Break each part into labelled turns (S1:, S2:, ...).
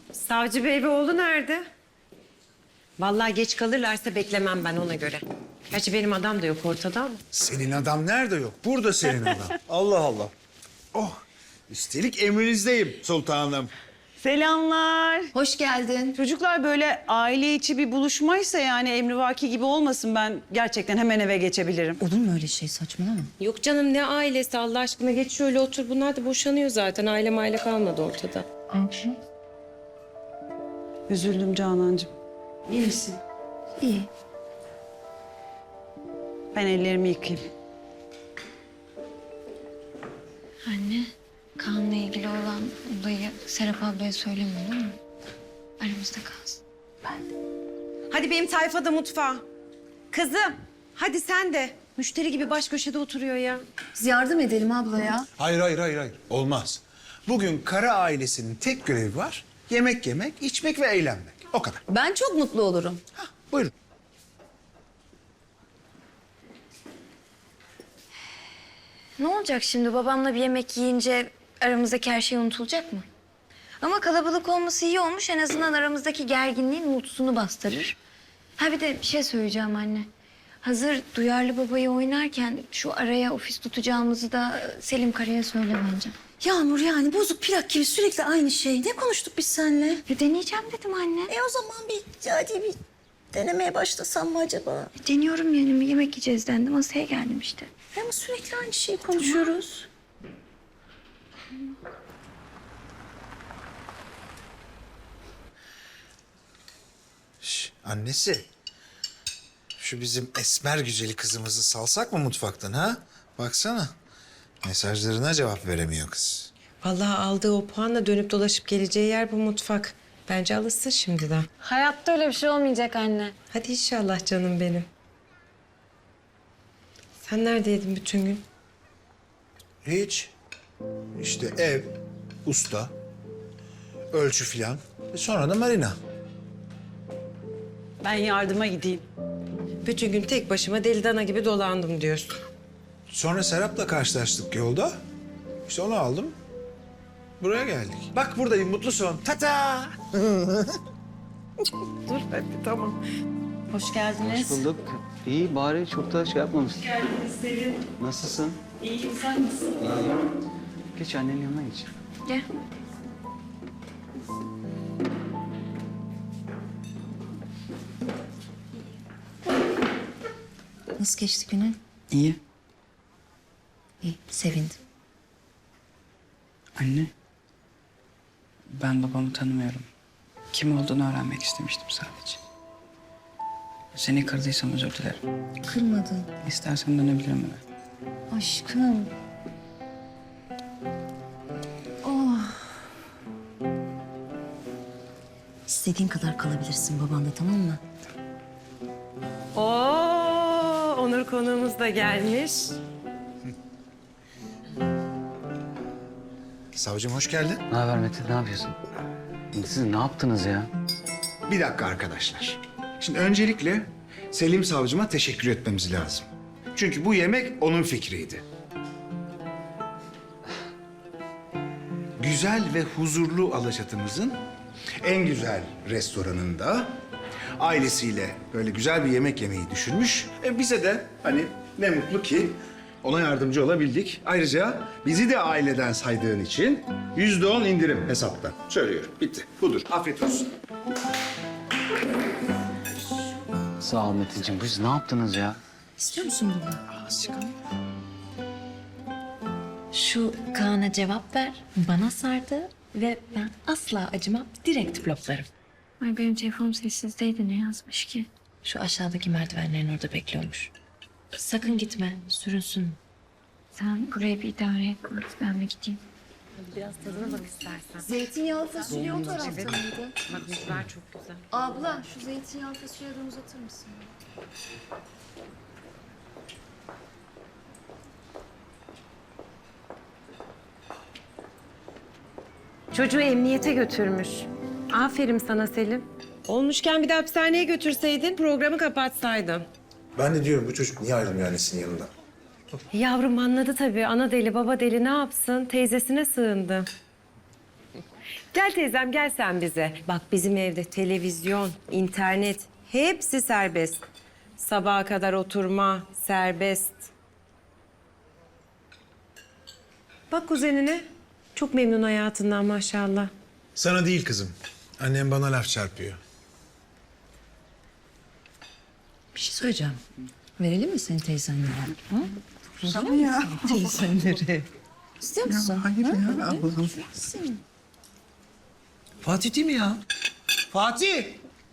S1: Savcı bey ve oğlu nerede? Vallahi geç kalırlarsa beklemem ben ona göre. Gerçi benim adam da yok ortada ama.
S2: Senin adam nerede yok? Burada senin adam. Allah Allah. Oh, üstelik emrinizdeyim sultanım.
S3: Selamlar.
S4: Hoş geldin.
S3: Çocuklar böyle aile içi bir buluşmaysa yani emrivaki gibi olmasın, ben gerçekten hemen eve geçebilirim.
S4: Olur mu öyle şey, saçmalama.
S1: Yok canım ne ailesi Allah aşkına geç şöyle otur. Bunlar da boşanıyor zaten. Aile kalmadı ortada.
S3: Üzüldüm Canancığım. İyi misin?
S4: İyi.
S3: Ben ellerimi yıkayayım.
S5: Anne, Kaan'la ilgili olan olayı Serap ablaya söyleme, olur mu? Aramızda kalsın.
S1: Hadi benim tayfa da mutfağa. Kızım hadi sen de. Müşteri gibi baş köşede oturuyor ya.
S4: Biz yardım edelim abla ya.
S2: Hayır. Olmaz. Bugün Kara ailesinin tek görevi var. Yemek yemek, içmek ve eğlenmek. O kadar.
S4: Ben çok mutlu olurum.
S2: Hah, buyurun.
S5: Ne olacak şimdi? Babamla bir yemek yiyince aramızdaki her şey unutulacak mı? Ama kalabalık olması iyi olmuş. En azından aramızdaki gerginliğin uğultusunu bastırır. Ha bir de bir şey söyleyeceğim anne. Hazır duyarlı babayı oynarken şu araya ofis tutacağımızı da Selim Kara'ya söyle bence.
S4: Yağmur, yani bozuk plak gibi sürekli aynı şey. Ne konuştuk biz seninle?
S5: Deneyeceğim dedim anne.
S4: O zaman bir denemeye başlasam mı acaba?
S5: Deniyorum yani, yemek yiyeceğiz dendi. Masaya geldim işte.
S4: Ama sürekli aynı şeyi konuşuyoruz.
S2: Annesi. Şu bizim esmer güzeli kızımızı salsak mı mutfaktan ha? Baksana. Mesajlarına cevap veremiyor kız.
S1: Vallahi aldığı o puanla dönüp dolaşıp geleceği yer bu mutfak. Bence alışsın şimdiden.
S5: Hayatta öyle bir şey olmayacak anne.
S1: Hadi inşallah canım benim. Sen neredeydin bütün gün?
S2: Hiç. İşte ev, usta, ölçü filan. Sonra da marina.
S3: Ben yardıma gideyim.
S1: Bütün gün tek başıma deli dana gibi dolandım diyorsun.
S2: Sonra Serap'la karşılaştık yolda. İşte onu aldım. Buraya geldik. Bak buradayım, mutlusun. Tata!
S1: Dur hadi tamam.
S3: Hoş geldiniz.
S6: Bulduk. İyi bari çok da şey yapmamışsın. Nasılsın?
S3: İyiyim, sen nasılsın?
S6: İyiyim. Geç annenin yanına geç.
S5: Gel.
S4: Nasıl geçti günün?
S6: İyi.
S4: İyi, sevindim.
S6: Anne. Ben babamı tanımıyorum. Kim olduğunu öğrenmek istemiştim sadece. Seni kırdıysam özür dilerim.
S4: Kırmadın.
S6: İstersen dönebilirim eve.
S4: Aşkım. Oh. İstediğin kadar kalabilirsin babanda, tamam mı?
S1: Oo, Onur konuğumuz da gelmiş.
S2: Savcım hoş geldin.
S6: Ne haber Mete, ne yapıyorsun? Siz ne yaptınız ya?
S2: Bir dakika arkadaşlar. Şimdi öncelikle Selim savcıma teşekkür etmemiz lazım. Çünkü bu yemek onun fikriydi. Güzel ve huzurlu Alaçatımızın en güzel restoranında ailesiyle böyle güzel bir yemek yemeyi düşünmüş. Bize de hani ne mutlu ki ona yardımcı olabildik. Ayrıca bizi de aileden saydığın için %10 indirim hesaptan. Söylüyorum. Bitti. Budur. Afiyet olsun.
S6: Sağ ol Metin'ciğim. Siz ne yaptınız ya?
S4: İstiyor musun bunu? Şu Kaan'a cevap ver. Bana sardı ve ben asla acımam. Direkt bloklarım.
S5: Ay benim telefonum sessizdeydi, ne yazmış ki?
S4: Şu aşağıdaki merdivenlerin orada bekliyormuş. Sakın gitme, sürünsün.
S5: Sen buraya bir idare et, ben bir gideyim.
S1: Biraz tadına bak istersen.
S4: Zeytinyağlı fasulye o tarafta mıydı?
S1: Bak mücver çok güzel.
S4: Abla, şu zeytinyağlı fasulyeyi uzatır mısın?
S1: Çocuğu emniyete götürmüş. Aferin sana Selim. Olmuşken bir de hapishaneye götürseydin, programı kapatsaydın.
S2: Ben de diyorum bu çocuk niye ayrılmıyor annesinin yanından?
S1: Yavrum anladı tabii. Ana deli, baba deli ne yapsın? Teyzesine sığındı. Gel teyzem gel sen bize. Bak bizim evde televizyon, internet hepsi serbest. Sabaha kadar oturma serbest. Bak kuzenine. Çok memnun hayatından maşallah.
S7: Sana değil kızım. Annem bana laf çarpıyor.
S8: Bir şey söyleyeceğim. Verelim mi senin teyzenlere? Ha? Tamam ya. Teyzenleri. İstiyor musun?
S7: Hayır ya Allah'ım. Fatih değil mi ya? Fatih!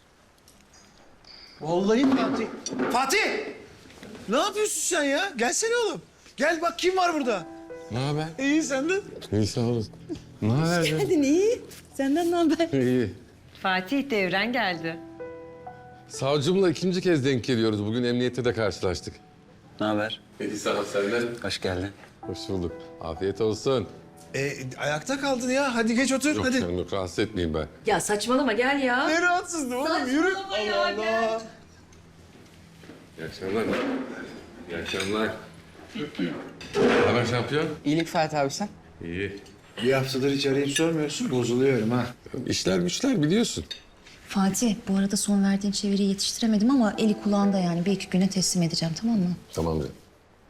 S7: Vallahi Fatih. Fatih! Ne yapıyorsun sen ya? Gelsene oğlum. Gel bak kim var burada?
S9: Ne haber?
S7: İyi senden.
S9: İyi sağ olasın. Ne haber?
S8: Geldin iyi. Senden ne haber?
S9: İyi.
S1: Fatih Devren geldi.
S9: Savcımla ikinci kez denk geliyoruz. Bugün emniyette de karşılaştık.
S10: Ne haber?
S9: İyi sağ ol senden.
S10: Hoş geldin.
S9: Hoş bulduk. Afiyet olsun.
S7: Ayakta kaldın ya. Hadi geç otur
S9: Yok
S7: hadi.
S9: canım yok rahatsız etmeyeyim ben.
S8: Ya saçmalama gel ya.
S7: Ne rahatsızlığı oğlum yürü. Allah Allah.
S9: İyi akşamlar. İyi akşamlar. Ne haber şampiyon?
S6: İyilik Fatih abi sen.
S9: İyi.
S2: Bir haftadır hiç arayıp sormuyorsun. Bozuluyorum ha.
S9: İşler güçler biliyorsun.
S8: Fatih bu arada son verdiğin çeviriyi yetiştiremedim ama eli kulağında yani. Bir iki güne teslim edeceğim tamam mı?
S9: Tamam canım.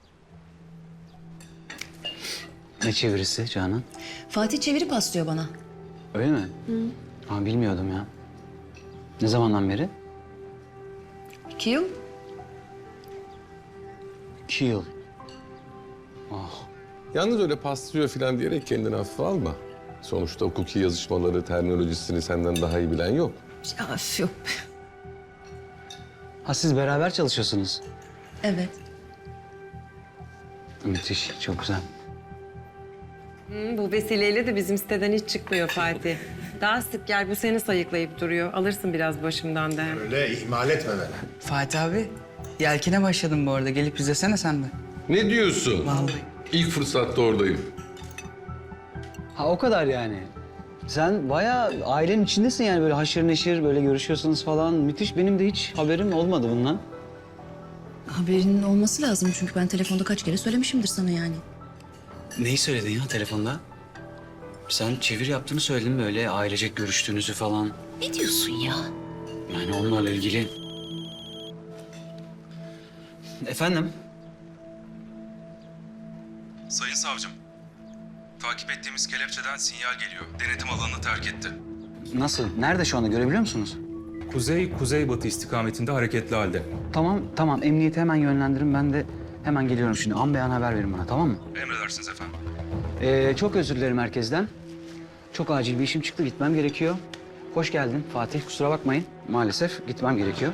S10: Ne çevirisi Canan?
S8: Fatih çeviri paslıyor bana.
S10: Öyle mi? Ha, bilmiyordum ya. Ne zamandan beri?
S8: 2 yıl.
S10: 2 yıl.
S9: Yalnız öyle paslıyor falan diyerek kendini hafife alma. Sonuçta hukuki yazışmaları, terminolojisini senden daha iyi bilen yok.
S8: Ya yok.
S10: Ha, siz beraber çalışıyorsunuz.
S8: Evet.
S10: Müthiş, çok güzel.
S1: Bu vesileyle de bizim siteden hiç çıkmıyor Fatih. Daha sık gel bu seni sayıklayıp duruyor. Alırsın biraz başımdan da.
S7: Öyle ihmal etme beni.
S6: Fatih abi, yelkine başladım bu arada. Gelip izlesene sen de.
S9: Ne diyorsun?
S6: Vallahi.
S9: İlk fırsatta oradayım.
S10: Ha, o kadar yani. Sen bayağı ailenin içindesin yani, böyle haşır neşir, böyle görüşüyorsunuz falan. Müthiş, benim de hiç haberim olmadı bundan.
S8: Haberinin olması lazım çünkü ben telefonda kaç kere söylemişimdir sana yani.
S10: Neyi söyledin ya telefonda? Sen çevir yaptığını söyledin, böyle ailecek görüştüğünüzü falan.
S8: Ne diyorsun ya?
S10: Yani onlarla ilgili... Efendim?
S11: Sayın savcım, takip ettiğimiz kelepçeden sinyal geliyor. Denetim alanını terk etti.
S10: Nasıl? Nerede şu anda, görebiliyor musunuz?
S11: Kuzey-kuzeybatı istikametinde hareketli halde.
S10: Tamam. Emniyete hemen yönlendirin. Ben de hemen geliyorum şimdi. An beyan haber verin bana, tamam mı?
S11: Emredersiniz efendim.
S10: Çok özür dilerim herkesten. Çok acil bir işim çıktı, gitmem gerekiyor. Hoş geldin Fatih, kusura bakmayın. Maalesef gitmem gerekiyor.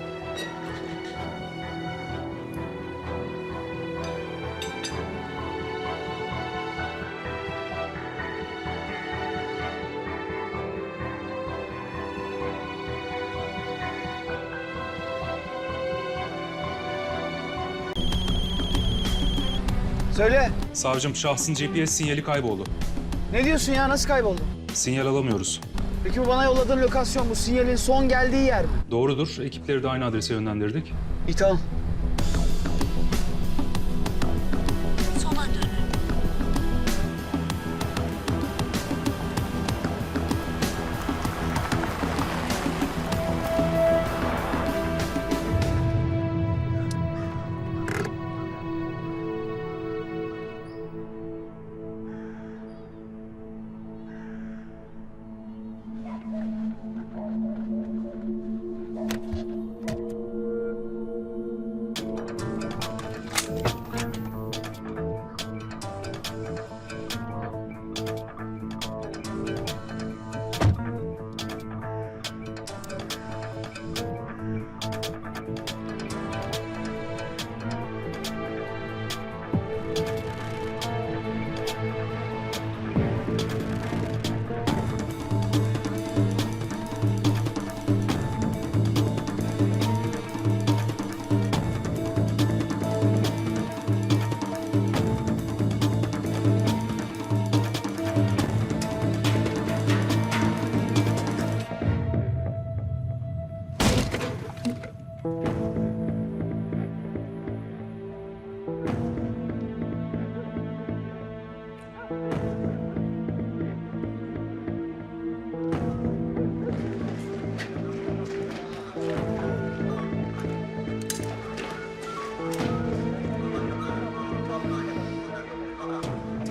S6: Söyle.
S11: Savcım, şahsın GPS sinyali kayboldu.
S6: Ne diyorsun ya? Nasıl kayboldu?
S11: Sinyal alamıyoruz.
S6: Peki bu bana yolladığın lokasyon bu sinyalin son geldiği yer mi?
S11: Doğrudur, ekipleri de aynı adrese yönlendirdik.
S6: İyi tamam.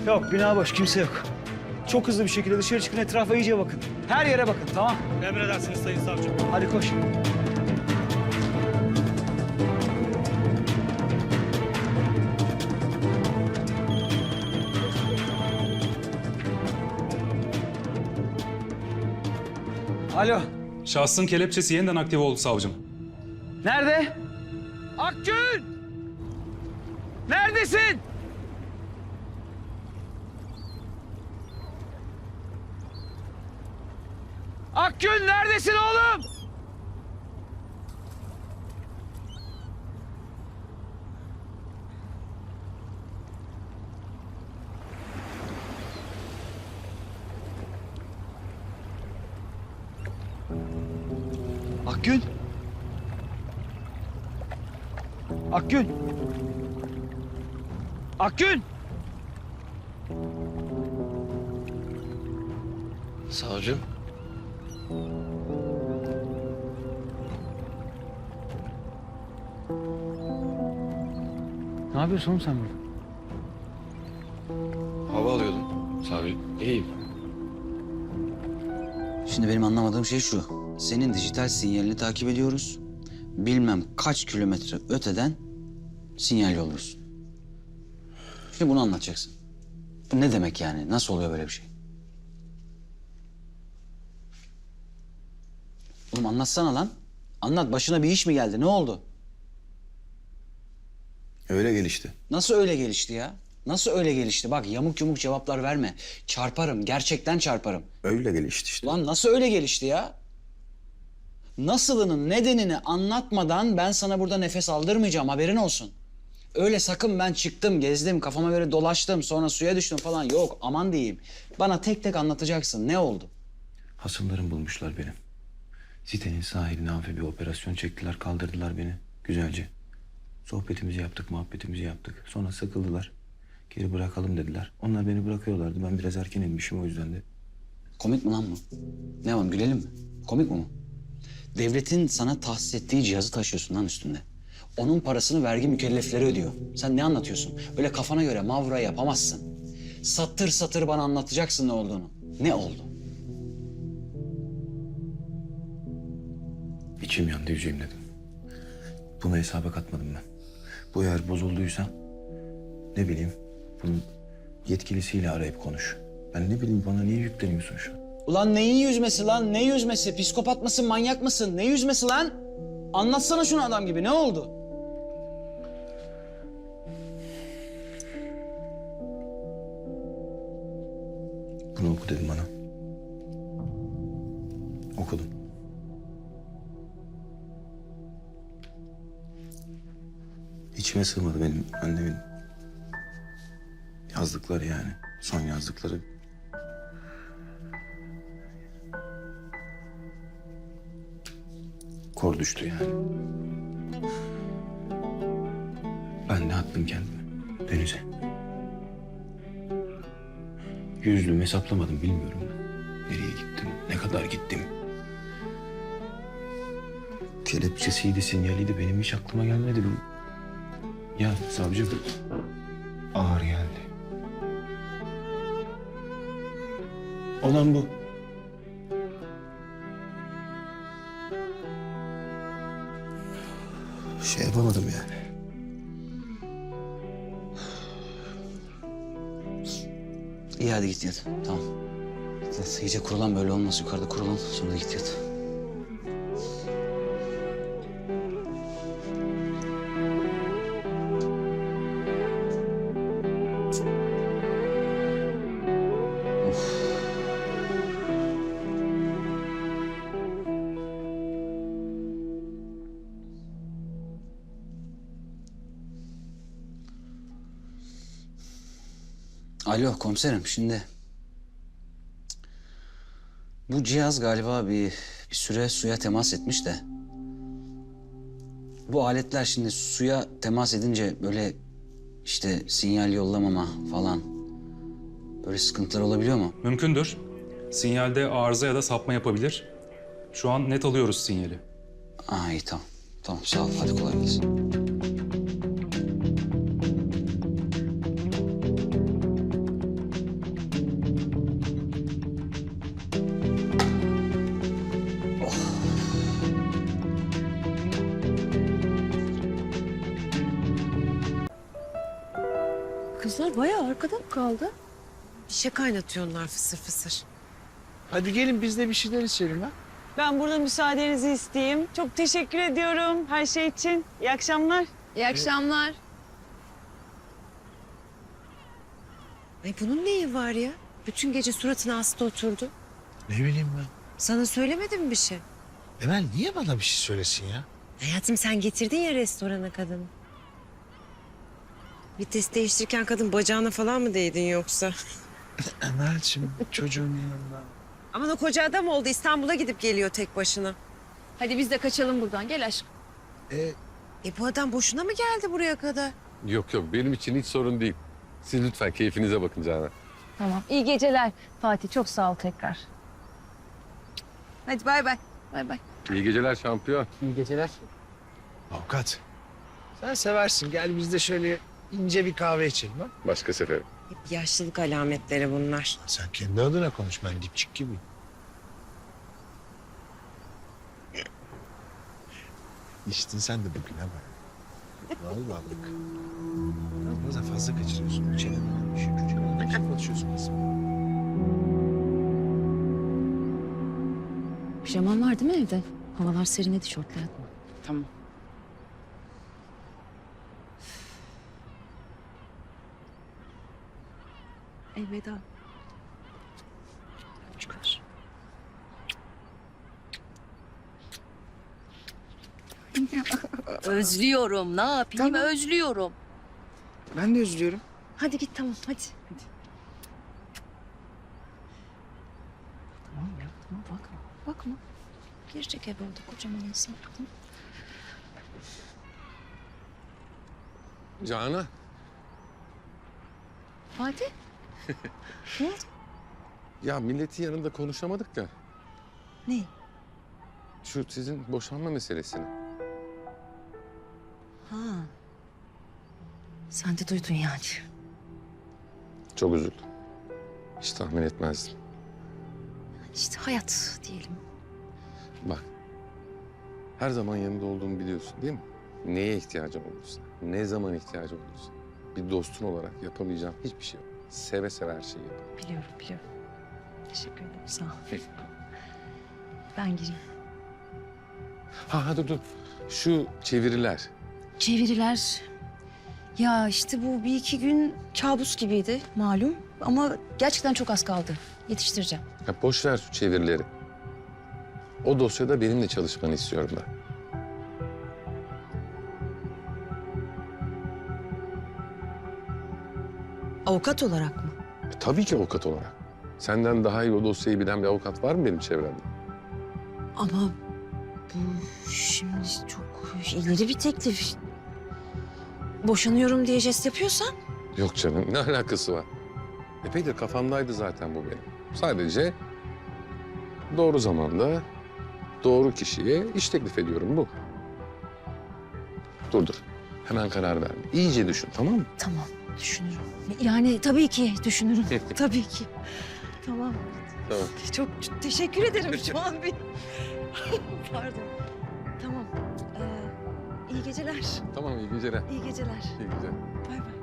S10: Yok, bina boş, kimse yok. Çok hızlı bir şekilde dışarı çıkın, etrafa iyice bakın. Her yere bakın, tamam?
S7: Emredersiniz Sayın Savcım.
S10: Hadi koş. Alo,
S11: Şahsın kelepçesi yeniden aktive oldu savcım.
S10: nerede? Akgün! Neredesin? Akgün neredesin oğlum? Akgün. Akgün. Akgün.
S7: Savcım.
S10: Ne yapıyorsun oğlum sen burada?
S7: Hava alıyordum. Savcım. İyiyim.
S12: Şimdi benim anlamadığım şey şu. Senin dijital sinyalini takip ediyoruz. Bilmem kaç kilometre öteden sinyal yolluyorsun. Şimdi bunu anlatacaksın. Bu ne demek yani? Nasıl oluyor böyle bir şey? Oğlum anlatsana lan. Anlat. Başına bir iş mi geldi? Ne oldu?
S7: Öyle gelişti.
S12: Nasıl öyle gelişti ya? Nasıl öyle gelişti? Bak yamuk yumuk cevaplar verme. Çarparım. Gerçekten çarparım.
S7: Öyle gelişti işte.
S12: Lan nasıl öyle gelişti ya? Nasılının nedenini anlatmadan ben sana burada nefes aldırmayacağım, haberin olsun. Öyle sakın ben çıktım, gezdim, kafama göre dolaştım, sonra suya düştüm falan yok, aman diyeyim. Bana tek tek anlatacaksın, ne oldu?
S7: Hasımlarım bulmuşlar benim. Sitenin sahiline amfi bir operasyon çektiler, kaldırdılar beni güzelce. Sohbetimizi yaptık, muhabbetimizi yaptık. Sonra sıkıldılar. Geri bırakalım dediler. Onlar beni bırakıyorlardı. Ben biraz erken inmişim o yüzden de.
S12: Komik mi lan bu? Ne yapalım, gülelim mi? Komik mi bu? Devletin sana tahsis ettiği cihazı taşıyorsun lan üstünde. Onun parasını vergi mükellefleri ödüyor. Sen ne anlatıyorsun? Öyle kafana göre mavra yapamazsın. Satır satır bana anlatacaksın ne olduğunu. Ne oldu?
S7: İçim yandı, yüzeyim dedim. Bunu hesaba katmadım ben. Bu eğer bozulduysa ne bileyim bunun yetkilisiyle arayıp konuş. Ben ne bileyim, bana niye yükleniyorsun şu an?
S12: Ulan neyin yüzmesi lan? Ne yüzmesi? Psikopat mısın, manyak mısın? Ne yüzmesi lan? Anlatsana şunu adam gibi. Ne oldu?
S7: Bunu oku dedim bana. Okudum. İçime sığmadı benim annemin yazdıkları yani. Son yazdıkları. Kor düştü yani. Ben de attım kendimi denize. Yüzlüğümü hesaplamadım, bilmiyorum ben. Nereye gittim, ne kadar gittim. Kelepçesiydi, sinyaliydi, benim hiç aklıma gelmedi. Ya savcım, ağır geldi. Olan bu. Şey yapamadım yani.
S12: İyi hadi git yat. Tamam. Yat, iyice kurulan, böyle olmaz. Yukarıda kurulan, sonra da git yat. Alo komiserim, şimdi bu cihaz galiba bir süre suya temas etmiş de bu aletler şimdi suya temas edince böyle işte sinyal yollamama falan böyle sıkıntılar olabiliyor mu?
S11: Mümkündür. Sinyalde arıza ya da sapma yapabilir. Şu an net alıyoruz sinyali.
S12: Aa iyi tamam. Tamam sağ ol, hadi kolay gelsin.
S8: bayağı arkada mı kaldı?
S1: Bir şey kaynatıyorlar fısır fısır.
S10: Hadi gelin biz de bir şeyler içelim ha.
S3: Ben burada müsaadenizi isteyeyim. Çok teşekkür ediyorum her şey için. İyi akşamlar.
S5: İyi akşamlar.
S1: Ay bunun neyi var ya? Bütün gece suratına hasta oturdu.
S13: Ne bileyim ben.
S1: Sana söylemedi mi bir şey?
S13: Emel niye bana bir şey söylesin ya?
S1: Hayatım sen getirdin ya restorana kadını. Vites değiştirirken kadın bacağına falan mı değdin yoksa?
S13: Emel'cim çocuğun yanında.
S1: Aman o koca adam oldu. İstanbul'a gidip geliyor tek başına.
S8: Hadi biz de kaçalım buradan. Gel aşkım.
S1: Bu adam boşuna mı geldi buraya kadar?
S9: Yok yok benim için hiç sorun değil. Siz lütfen keyfinize bakın Canan.
S8: Tamam. İyi geceler Fatih. Çok sağ ol tekrar.
S3: Hadi bay bay.
S8: Bay bay.
S9: İyi geceler şampiyon.
S10: İyi geceler.
S13: Avukat. Sen seversin. Gel biz de şöyle ince bir kahve içelim ha.
S9: Başka sefer.
S1: Hep yaşlılık alametleri bunlar.
S13: Sen kendi adına konuş. Ben dipçik gibiyim. İçtin sen de bugün ha bak. Vallahi bak. Biraz da fazla kaçırıyorsun. Çeneni düşün. Çocuk ne biçim konuşuyorsun kızım?
S8: Pijaman var değil mi evde? Havalar serinledi, şortla yatma.
S6: Tamam.
S1: Elveda.
S8: Çıkar. Özlüyorum. Ne yapayım? Özlüyorum.
S6: Ben de üzülüyorum.
S8: Hadi git tamam hadi. Tamam ya tamam bakma. Bakma. Girecek eve orada kocaman insan. Tamam.
S9: Canan.
S8: Fatih. Ne oldu?
S9: Ya milletin yanında konuşamadık da.
S8: Ne?
S9: Şu sizin boşanma meselesini.
S8: Ha. Sen de duydun yani.
S9: Çok üzüldüm. Hiç tahmin etmezdim.
S8: İşte hayat diyelim.
S9: Bak. Her zaman yanında olduğumu biliyorsun değil mi? Neye ihtiyacım olursa, ne zaman ihtiyacım olursa. Bir dostun olarak yapamayacağım hiçbir şey yok. Seve seve her şeyi yaparım.
S8: Biliyorum biliyorum. Teşekkür ederim sağ ol. Ben gireyim.
S9: Ha dur. Şu çeviriler.
S8: Çeviriler. Ya işte bu bir iki gün kabus gibiydi malum. Ama gerçekten çok az kaldı. Yetiştireceğim.
S9: Ya boş ver şu çevirileri. O dosyada benimle çalışmanı istiyorum ben.
S8: Avukat olarak mı?
S9: Tabii ki avukat olarak. Senden daha iyi o dosyayı bilen bir avukat var mı benim çevremde?
S8: Ama bu şimdi çok ileri bir teklif. Boşanıyorum diye jest yapıyorsan.
S9: Yok canım, ne alakası var? Epeydir kafamdaydı zaten bu benim. Sadece doğru zamanda, doğru kişiye iş teklif ediyorum bu. Dur. Hemen karar verme. İyice düşün, tamam mı?
S8: Tamam düşünürüm. Yani tabii ki düşünürüm. Tabii ki. Tamam.
S9: Tamam.
S8: Çok teşekkür ederim şu an bir. Pardon. Tamam. İyi geceler.
S9: Tamam, iyi geceler.
S8: İyi geceler.
S9: İyi geceler.
S8: Bay bay.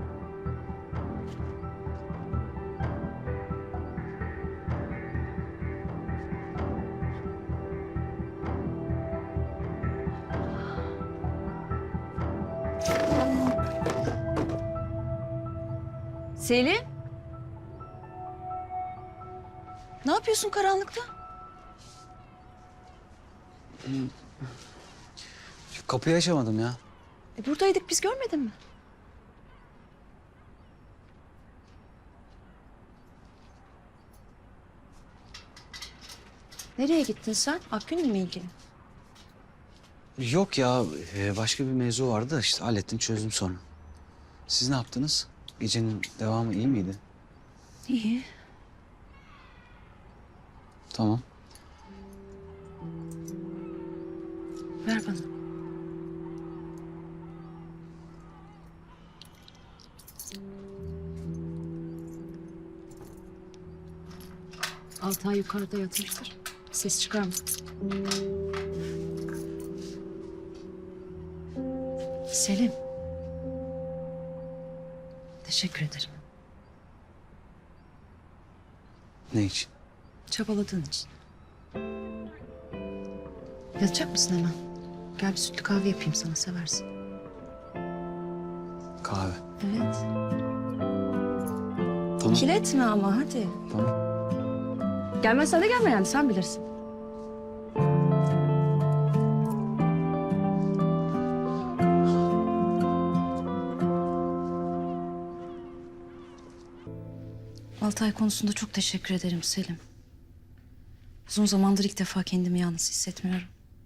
S8: Selim. Ne yapıyorsun karanlıkta?
S12: Kapıyı açamadım ya.
S8: Buradaydık biz görmedin mi? Nereye gittin sen? Akgün'le mi ilgili?
S12: Yok ya başka bir mevzu vardı da işte hallettim çözdüm sonra. Siz ne yaptınız? Gecenin devamı iyi miydi?
S8: İyi.
S12: Tamam.
S8: Ver bana. Altay yukarıda yatmıştır. Ses çıkarma. Selim. Teşekkür ederim.
S12: Ne için?
S8: Çabaladığın için. Yatacak mısın hemen? Gel bir sütlü kahve yapayım sana, seversin.
S12: Kahve.
S8: Evet.
S12: Tamam.
S8: İkiletme ama hadi.
S12: Tamam.
S8: Gelmezsen de gelme yani, sen bilirsin. Altay konusunda çok teşekkür ederim Selim. Uzun zamandır ilk defa kendimi yalnız hissetmiyorum.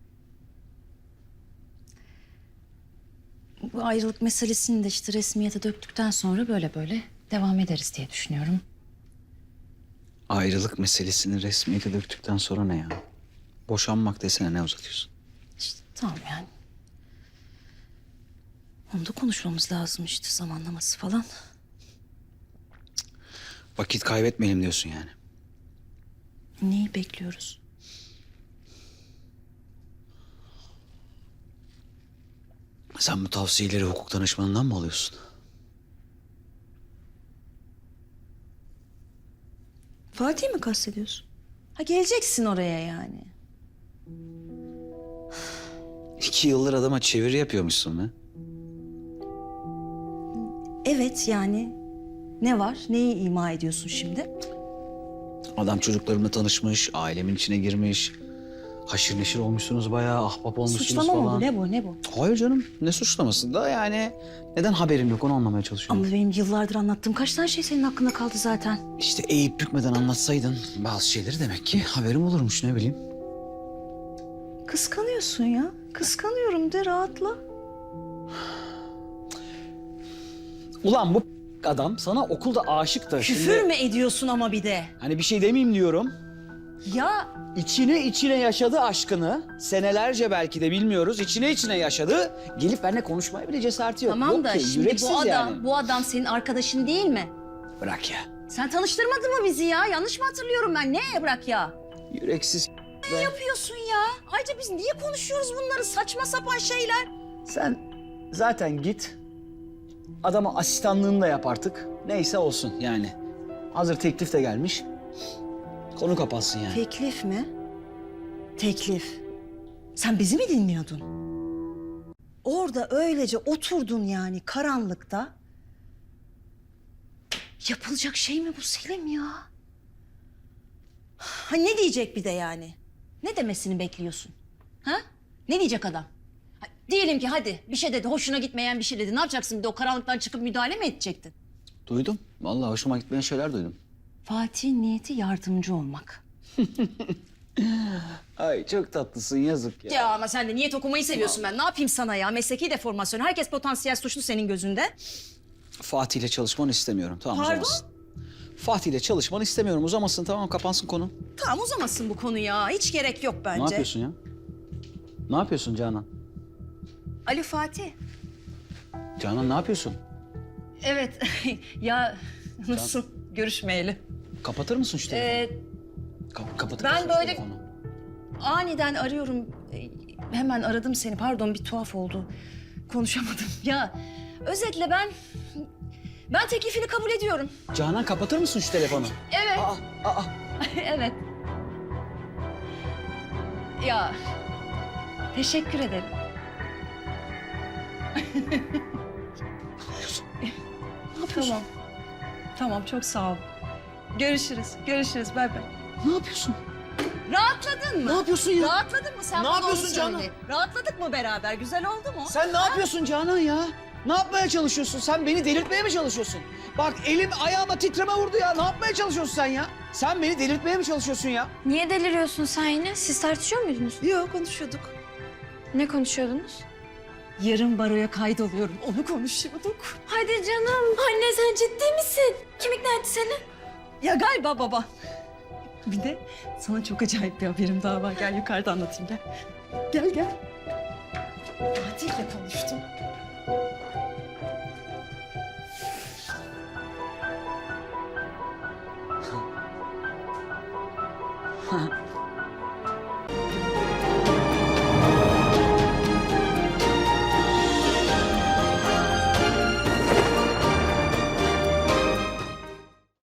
S8: Bu ayrılık meselesini de işte resmiyete döktükten sonra böyle devam ederiz diye düşünüyorum.
S12: Ayrılık meselesini resmiyete döktükten sonra ne ya? Boşanmak desene, ne uzatıyorsun?
S8: İşte tamam yani. Onu da konuşmamız lazım işte, zamanlaması falan.
S12: Vakit kaybetmeyelim diyorsun yani.
S8: Neyi bekliyoruz?
S12: Sen bu tavsiyeleri hukuk danışmanından mı alıyorsun?
S8: Fatih mi kastediyorsun? Ha, geleceksin oraya yani.
S12: 2 yıldır adama çeviri yapıyormuşsun be.
S8: Evet yani. Ne var? Neyi ima ediyorsun şimdi?
S12: Adam çocuklarımla tanışmış, ailemin içine girmiş. Haşır neşir olmuşsunuz bayağı, ahbap olmuşsunuz
S8: Suçlama
S12: falan.
S8: mı bu? Ne bu? Ne bu?
S12: Hayır canım, ne suçlaması da yani neden haberim yok onu anlamaya çalışıyorum.
S8: Ama benim yıllardır anlattığım kaç tane şey senin hakkında kaldı zaten.
S12: İşte eğip bükmeden anlatsaydın bazı şeyleri demek ki haberim olurmuş, ne bileyim.
S8: Kıskanıyorsun ya. Kıskanıyorum de, rahatla.
S12: Ulan bu adam sana okulda aşık da
S8: Küfür mü ediyorsun ama bir de?
S12: Hani bir şey demeyeyim diyorum.
S8: Ya
S12: İçine yaşadı aşkını. Senelerce belki de bilmiyoruz. İçine yaşadı. Gelip benimle konuşmaya bile cesareti yok.
S8: tamam
S12: Yok
S8: da
S12: ki,
S8: şimdi
S12: yüreksiz
S8: bu adam,
S12: yani.
S8: bu adam senin arkadaşın değil mi?
S12: Bırak ya.
S8: Sen tanıştırmadın mı bizi ya? Yanlış mı hatırlıyorum ben? Ne bırak ya?
S12: Yüreksiz
S8: Ne yapıyorsun ya? Ayrıca biz niye konuşuyoruz bunları? Saçma sapan şeyler.
S12: Sen zaten git. Adama asistanlığını da yap artık. Neyse olsun yani. Hazır teklif de gelmiş. Konu kapatsın yani.
S8: Teklif mi? Teklif. Sen bizi mi dinliyordun? Orada öylece oturdun yani karanlıkta. Yapılacak şey mi bu Selim ya? Ha, ne diyecek bir de yani? Ne demesini bekliyorsun? Ha? Ne diyecek adam? Ha, diyelim ki hadi bir şey dedi, hoşuna gitmeyen bir şey dedi. Ne yapacaksın bir de, o karanlıktan çıkıp müdahale mi edecektin?
S12: Duydum. Vallahi hoşuma gitmeyen şeyler duydum.
S8: Fatih'in niyeti yardımcı olmak.
S12: Ay çok tatlısın, yazık ya.
S8: Ya ama sen de niyet okumayı seviyorsun ben. Ne yapayım sana ya? Mesleki deformasyon. Herkes potansiyel suçlu senin gözünde.
S12: Fatih ile çalışmanı istemiyorum. Tamam,
S8: Pardon?
S12: uzamasın. Fatih ile çalışmanı istemiyorum. Uzamasın, tamam, kapansın konu.
S8: Tamam, uzamasın bu konu ya. Hiç gerek yok bence.
S12: Ne yapıyorsun ya? Ne yapıyorsun Canan?
S8: Alo Fatih.
S12: Canan ne yapıyorsun?
S8: Evet. Ya nasıl görüşmeyeli?
S12: Kapatır mısın şu telefonu? Kapatır
S8: ben
S12: mısın şu
S8: böyle-
S12: telefonu?
S8: Aniden arıyorum. Hemen aradım seni. Pardon, bir tuhaf oldu. Konuşamadım. Ya özetle ben teklifini kabul ediyorum.
S12: Canan kapatır mısın şu telefonu?
S8: Evet.
S12: Aa.
S8: Evet. Ya teşekkür ederim. Tamam. Tamam, çok sağ ol. Görüşürüz. Görüşürüz. Bay bay.
S12: Ne yapıyorsun?
S8: Rahatladın mı?
S12: Ne yapıyorsun ya?
S8: Rahatladın mı? Sen
S12: Ne
S8: bana
S12: yapıyorsun
S8: onu
S12: Canan?
S8: söyle. Rahatladık mı beraber? Güzel oldu mu?
S12: Sen ne yapıyorsun Canan ya? Ne yapmaya çalışıyorsun? Sen beni delirtmeye mi çalışıyorsun? Bak elim ayağıma titreme vurdu ya. Ne yapmaya çalışıyorsun sen ya? Sen beni delirtmeye mi çalışıyorsun ya?
S5: Niye deliriyorsun sen yine? Siz tartışıyor muydunuz?
S8: Yok, konuşuyorduk.
S5: Ne konuşuyordunuz?
S8: Yarın baroya kaydoluyorum. Onu konuşuyorduk.
S5: Hadi canım. Anne sen ciddi misin? Kim ikna etti seni?
S8: Ya galiba baba. Bir de sana çok acayip bir haberim daha var. Gel yukarıda anlatayım, gel. Gel gel. Fatih'le konuştum.